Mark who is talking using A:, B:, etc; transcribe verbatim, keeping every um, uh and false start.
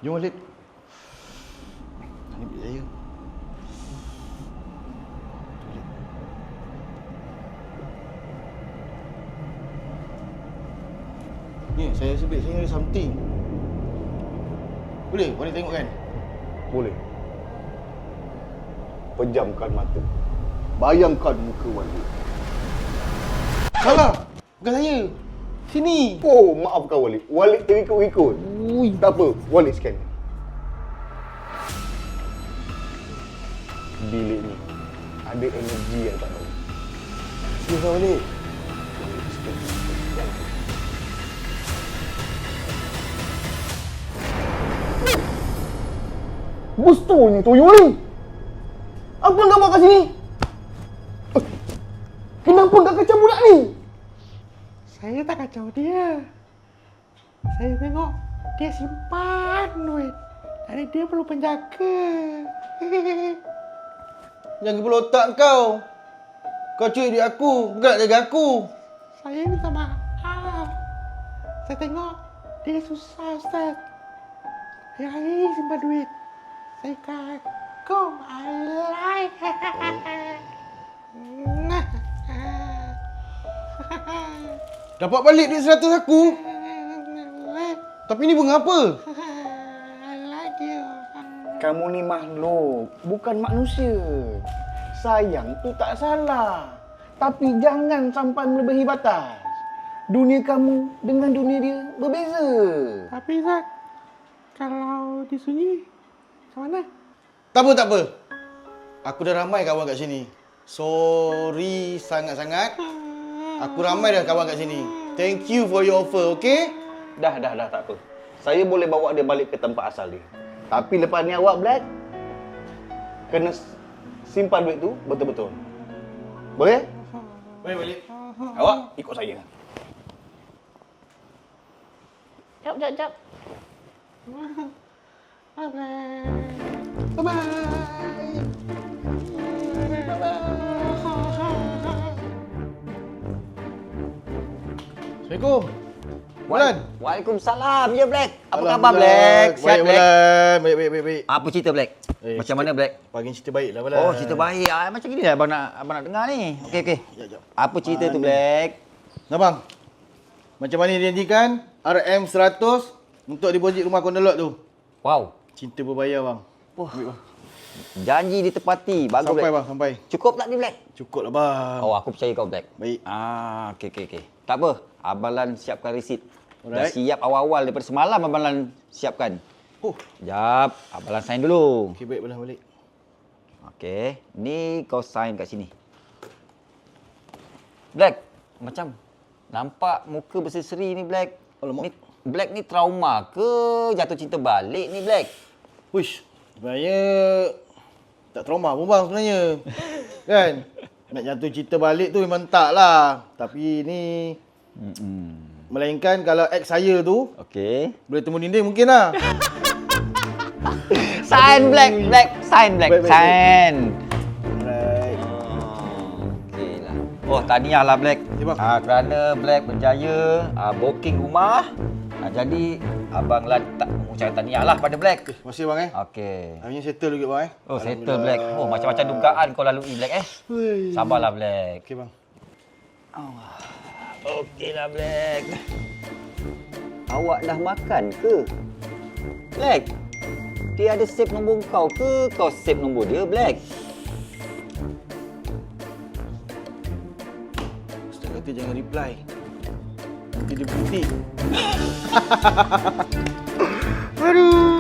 A: Jom balik. Ini bilik saya. Ni, saya sebut saya ada something. Boleh? Boleh tengok kan?
B: Boleh. Pejamkan mata. Bayangkan muka Walid.
A: Salah! Bukan saya. Sini.
B: Oh, maafkan Walid. Walid terikut-ikut.
A: Ui.
B: Tak apa, Walid scan. Bilik ni ada energi yang tak tahu.
A: Sini balik.
B: Walid scan. Bustanya tuyul ni. Apa yang gambar kat sini? Eh, Kenapa kau kacau budak ni?
C: Saya tak kacau dia. Saya tengok dia simpan duit. Jadi dia perlu penjaga.
A: Jangan kepala otak kau. Kau culik duit aku, bukan nak jaga aku.
C: Saya minta maaf. Saya tengok dia susah, Ustaz. Hari-hari simpan duit. Saya kagum. Alay.
A: Dapat balik duit seratus aku. Tapi ni bunga apa?
C: Alay dia.
B: Kamu ni makhluk, bukan manusia. Sayang tu tak salah. Tapi jangan sampai melebihi batas. Dunia kamu dengan dunia dia berbeza.
C: Tapi Ustaz, kalau disunyi, macam mana?
A: Tak apa, tak apa. Aku dah ramai kawan kat sini. Sorry sangat-sangat. Aku ramai dah kawan kat sini. Thank you for your offer, okay?
B: Dah, dah, dah, tak apa. Saya boleh bawa dia balik ke tempat asal dia. Tapi lepas ni awak, Black, kena simpan duit tu betul-betul. Boleh?
A: Boleh balik.
B: Awak ikut saya.
D: Jap, jap, jap.
C: Bye-bye.
A: Bye-bye. Assalamualaikum. Bulan.
E: Waalaikumsalam. Ya, Black. Apa
A: Alam,
E: khabar, Black? Sihat,
A: Baik,
E: Black?
A: Bulan. Baik, baik, baik, baik.
E: Apa cerita, Black?
A: Eh,
E: Macam
A: cerita-
E: mana, Black?
A: Pagi cerita baik lah, Bulan.
E: Oh, cerita baik. Ah, macam gini lah abang nak, abang nak dengar ni. Okey, okey.
A: Sekejap, sekejap.
E: Apa cerita tu,
A: Mana?
E: Black?
A: Nah, bang. Macam mana dia janjikan R M seratus untuk deposit rumah Kondolok tu.
E: Wow.
A: Cinta berbayar, bang.
E: Wah. Janji ditepati. Bagus,
A: Sampai,
E: Black.
A: bang, sampai.
E: Cukup tak ni, Black?
A: Cukup lah, bang.
E: Oh, aku percaya kau, Black.
A: Baik.
E: Ah, okey, okey, okey. Tak apa. Abang Lan siapkan resit. Dah
A: Alright.
E: siap awal-awal daripada semalam Abang Lan siapkan.
A: Oh.
E: Jap, Abang Lan sign dulu.
A: Okey, baik, Bulan balik.
E: Okey, ni kau sign kat sini. Black, macam nampak muka berseri-seri ni, Black.
A: Alamak.
E: Ni Black ni trauma ke jatuh cinta balik ni, Black?
A: Wish, sebenarnya tak trauma pun, bang, sebenarnya. Kan? Nak jatuh cinta balik tu memang tak lah. Tapi ni...
E: Hmm.
A: Melainkan kalau ex saya tu
E: Okey.
A: boleh temu dinding mungkin lah.
E: Sign, Black, Black, sign, Black,
A: Baik, baik,
E: sign.
A: Alright.
E: Oh, okey lah. Oh, tahniah lah, Black.
A: Ya, bang.
E: Ah, kerana Black berjaya ah, booking rumah. Ah, jadi Abang Lan tak mengucapkan tahniah lah pada Black.
A: Terima kasih, bang, eh.
E: Okey.
A: Akhirnya settle juga, bang, eh.
E: Oh, settle, Black. Oh, macam-macam dugaan kau lalui, Black, eh.
A: Hui.
E: Sabarlah, Black.
A: Okey, bang.
E: Okeylah, Black. Awak dah makan ke? Black, dia ada save nombor kau ke? Kau save nombor dia, Black?
A: Ustaz kata jangan reply. Nanti dia berhenti. Aduh.